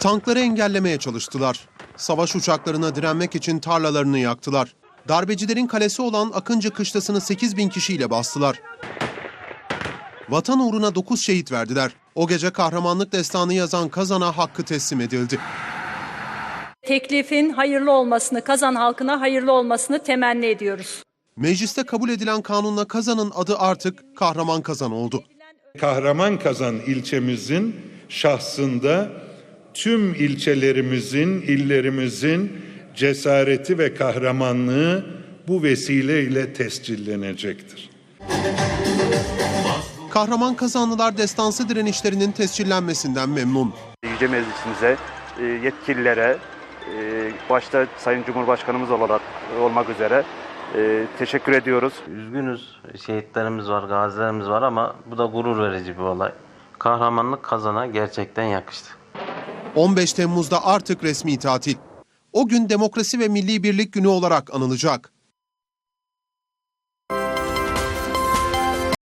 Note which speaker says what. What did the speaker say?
Speaker 1: Tankları engellemeye çalıştılar. Savaş uçaklarına direnmek için tarlalarını yaktılar. Darbecilerin kalesi olan Akıncı Kışlası'nı 8.000 kişiyle bastılar. Vatan uğruna 9 şehit verdiler. O gece kahramanlık destanı yazan Kazan'a hakkı teslim edildi.
Speaker 2: Teklifin hayırlı olmasını, Kazan halkına hayırlı olmasını temenni ediyoruz.
Speaker 1: Mecliste kabul edilen kanunla Kazan'ın adı artık Kahraman Kazan oldu.
Speaker 3: Kahraman Kazan ilçemizin şahsında tüm ilçelerimizin, illerimizin cesareti ve kahramanlığı bu vesileyle tescillenecektir.
Speaker 1: Kahraman Kazanlılar destansı direnişlerinin tescillenmesinden memnun.
Speaker 4: Yüce Meclisimize, yetkililere, başta Sayın Cumhurbaşkanımız olmak üzere teşekkür ediyoruz.
Speaker 5: Üzgünüz, şehitlerimiz var, gazilerimiz var ama bu da gurur verici bir olay. Kahramanlık Kazan'a gerçekten yakıştı.
Speaker 1: 15 Temmuz'da artık resmi tatil. O gün Demokrasi ve Milli Birlik Günü olarak anılacak.